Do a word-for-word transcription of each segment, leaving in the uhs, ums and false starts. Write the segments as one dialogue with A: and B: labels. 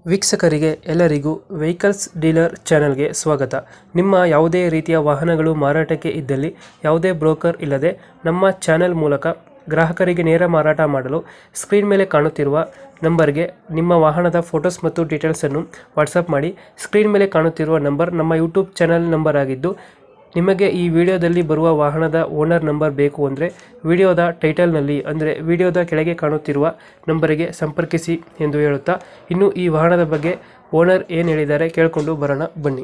A: ವೀಕ್ಷಕರಿಗೆ ಎಲ್ಲರಿಗೂ vehicles dealer ಚಾನೆಲ್ಗೆ ಸ್ವಾಗತ. ನಿಮ್ಮ ಯಾವುದೇ ರೀತಿಯ ವಾಹನಗಳು ಮಾರಾಟಕ್ಕೆ ಇದ್ದಲ್ಲಿ ಯಾವುದೇ ಬ್ರೋಕರ್ ಇಲ್ಲದೆ ನಮ್ಮ ಚಾನೆಲ್ ಮೂಲಕ ಗ್ರಾಹಕರಿಗೆ ನೇರ ಮಾರಾಟ ಮಾಡಲು ಸ್ಕ್ರೀನ್ ಮೇಲೆ ಕಾಣುತ್ತಿರುವ ನಂಬರ್ಗೆ ನಿಮ್ಮ ವಾಹನದ ಫೋಟೋಸ್ ಮತ್ತು ಡೀಟೇಲ್ಸನ್ನು ವಾಟ್ಸಪ್ ಮಾಡಿ. ಸ್ಕ್ರೀನ್ ಮೇಲೆ ಕಾಣುತ್ತಿರುವ ನಂಬರ್ ನಮ್ಮ ಯೂಟ್ಯೂಬ್ ಚಾನೆಲ್ ನಂಬರ್ ಆಗಿದ್ದು, ನಿಮಗೆ ಈ ವಿಡಿಯೋದಲ್ಲಿ ಬರುವ ವಾಹನದ ಓನರ್ ನಂಬರ್ ಬೇಕು ಅಂದರೆ ವಿಡಿಯೋದ ಟೈಟಲ್ನಲ್ಲಿ ಅಂದರೆ ವಿಡಿಯೋದ ಕೆಳಗೆ ಕಾಣುತ್ತಿರುವ ನಂಬರಿಗೆ ಸಂಪರ್ಕಿಸಿ ಎಂದು ಹೇಳುತ್ತಾ, ಇನ್ನು ಈ ವಾಹನದ ಬಗ್ಗೆ ಓನರ್ ಏನು ಹೇಳಿದ್ದಾರೆ ಕೇಳಿಕೊಂಡು ಬರೋಣ ಬನ್ನಿ.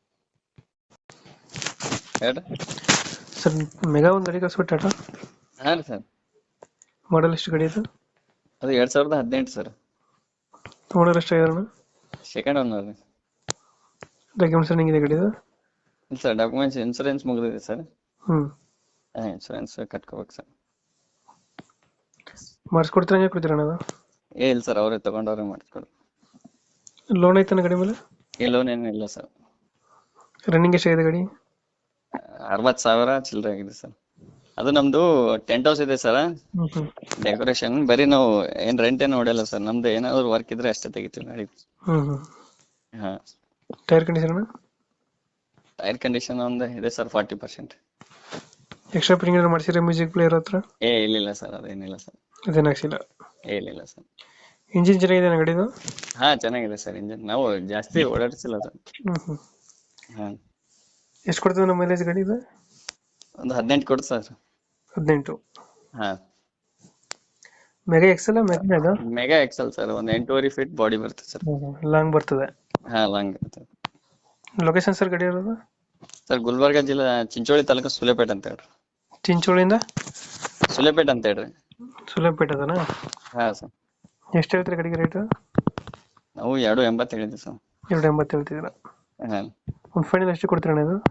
B: ಹೇಳ್ರಿ
A: ಸರ್, ಮೆಗಾ ಒಂದು ಗಾಡಿ ಕಳಿಸ್ಬಿಟ್ಟು ಟಾಟಾ
B: ಹಾ ರೀ ಸರ್.
A: ಮಾಡಲ್ ಎಷ್ಟು ಗಾಡಿ ಇದು?
B: ಅದು ಎರಡ್ ಸಾವಿರದ ಹದಿನೆಂಟು ಸರ್.
A: ಓನರ್ ಎಷ್ಟಾಗಿರೋಣ?
B: ಸೆಕೆಂಡ್ ಓನರ್ ರೀ.
A: ಡಾಕ್ಯುಮೆಂಟ್ಸ್ ರನ್ನಿಂಗ್ ಇದೆ ಗಾಡಿದು?
B: ಇಲ್ಲ ಸರ್, ಡಾಕ್ಯುಮೆಂಟ್ಸ್ ಇನ್ಸೂರೆನ್ಸ್ ಮುಗಿದಿದೆ ಸರ್.
A: ಹ್ಞೂ
B: ಇನ್ಸೂರೆನ್ಸ್ ಕಟ್ಕೋಬೇಕು ಸರ್.
A: ಮಾಡಿಸ್ಕೊಡ್ತೀರ ಹಂಗೆ ಕೊಡ್ತೀರಣ್ಣ ಅದು?
B: ಏ ಇಲ್ಲ ಸರ್, ಅವರೇ ತಗೊಂಡವ್ರೆ ಮಾಡಿಸ್ಕೊಡು.
A: ಲೋನ್ ಐತನ ಗಾಡಿ ಮೇಲೆ?
B: ಈ ಲೋನ್ ಏನಿಲ್ಲ ಸರ್.
A: ರನ್ನಿಂಗ್ ಎಷ್ಟಾಗಿದೆ ಗಾಡಿ?
B: ಅರವತ್ತು ಸಾವಿರ ಚಿಲ್ಲರೆ ಆಗಿದೆ ಸರ್. ಅದು ನಮ್ದು ಟೆಂಟ್ ಹೌಸ್ ಇದೆ ಸರ್.
A: ಹ್ಞೂ ಹ್ಞೂ
B: ಡೆಕೋರೇಷನ್ ಬರೀ ನಾವು ಏನ್ ರೆಂಟ್ ಏನು ಹೊಡೆಯಲ್ಲ ಸರ್. ನಮ್ದು ಏನಾದ್ರು ವರ್ಕ್ ಇದ್ರೆ ಅಷ್ಟೇ ತೆಗಿತೀವಿ ಗಾಡಿ.
A: ಹ್ಞೂ ಹ್ಞೂ
B: ಹಾ,
A: ಟೈರ್ ಕಂಡೀಷನ್ ಅಣ್ಣ?
B: ಟೈರ್ ಕಂಡೀಷನ್ ಒಂದು ಇದೆ sir, forty percent.
A: Extra fitting ಏನಾದ್ರು ಮಾಡಿಸಿದ್ರೆ ಮ್ಯೂಸಿಕ್ ಪ್ಲೇಯರ್ ಹತ್ರ?
B: ಏ ಇಲ್ಲ ಸರ್, ಅದೇನಿಲ್ಲ ಸರ್.
A: ಅದೇನು ಹಾಕ್ಸಿಲ್ಲ?
B: ಏ ಇಲ್ಲ ಸರ್.
A: ಇಂಜಿನ್ ಚೆನ್ನಾಗಿದೆ ಗಾಡಿದು?
B: ಹಾ ಚೆನ್ನಾಗಿದೆ ಸರ್ ಇಂಜಿನ್. ನಾವು ಜಾಸ್ತಿ ಓಡಾಡಿಸಿಲ್ಲ ಸರ್.
A: ಹ್ಞೂ ಹ್ಞೂ
B: ಹಾ,
A: ಎಷ್ಟು ಕೊಡ್ತದೆ ನಮ್ಮ ಮೈಲೇಜ್ ಗಾಡಿ ಇದು?
B: ಒಂದು ಹದಿನೆಂಟು ಕೊಡು ಸರ್.
A: ಹದಿನೆಂಟು?
B: ಹಾ,
A: ಮೆಗಾ ಎಕ್ಸೆಲ್ ಮೆಗಾ ಇದು?
B: Mega Excel sir. ಒಂದು ಎಂಟೂವರೆ ಫೀಟ್ ಬಾಡಿ ಬರುತ್ತೆ ಸರ್.
A: ಲಾಂಗ್ ಬರ್ತದೆ?
B: ಹಾ, ಲಾಂಗ್ ಇರುತ್ತೆ
A: ಲೊಕೇಶನ್ ಸರ್ ಗಾಡಿ ಇರೋದು?
B: ಸರ್ ಗುಲ್ಬರ್ಗ ಜಿಲ್ಲೆ ಚಿಂಚೋಳಿ ತಾಲೂಕು ಸುಲೇಪೇಟ್ ಅಂತ ಹೇಳ್ರಿ.
A: ಚಿಂಚೋಳಿಯಿಂದ
B: ಸುಲೇಪೇಟ್ ಅಂತ ಹೇಳ್ರಿ.
A: ಸುಲೇಪೇಟ್ ಅದನಾ?
B: ಹಾ ಸರ್.
A: ಎಷ್ಟು ಹೇಳ್ತೀರಿ ಗಾಡಿಗೆ ರೇಟು?
B: ನಾವು ಎರಡು ಎಂಬತ್ತು ಹೇಳಿದ್ವಿ ಸರ್.
A: ಎರಡು ಎಂಬತ್ತು ಹೇಳ್ತಿದ್ದೀರಾ?
B: ಹಾ,
A: ಒಂದು ಫೈನಲ್ ಎಷ್ಟು ಕೊಡ್ತೀರಣ್ಣ ಇದು?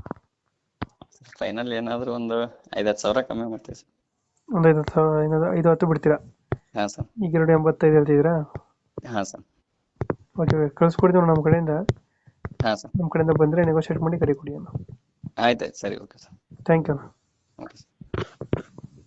B: ಫೈನಲ್ ಏನಾದ್ರು ಒಂದು ಐದತ್ತು ಸಾವಿರ ಕಮ್ಮಿ ಮಾಡ್ತೀವಿ ಸರ್.
A: ಒಂದು ಐದು ಹತ್ತು ಸಾವಿರ ಏನಾದ್ರು ಐದು ಹತ್ತು ಬಿಡ್ತೀರಾ?
B: ಹಾ ಸರ್.
A: ಈಗ ಎರಡು ಎಂಬತ್ತೈದು ಹೇಳ್ತಿದ್ದೀರಾ?
B: ಹಾ ಸರ್.
A: ಓಕೆ, ಕಳಿಸ್ಕೊಡ್ತೀವಿ ನಮ್ಮ ಕಡೆಯಿಂದ.
B: ಹಾ ಸರ್.
A: ನಮ್ಮ ಕಡೆಯಿಂದ ಬಂದರೆ ನೆಗೋಷಿಯೇಟ್ ಮಾಡಿ ಗಾಡಿ ಕೊಡಿ ಅಣ್ಣ.
B: ಆಯ್ತಾಯ್ತು ಸರಿ, ಓಕೆ ಸರ್.
A: ಥ್ಯಾಂಕ್ ಯು ಅಣ್ಣ.
B: Okay sir.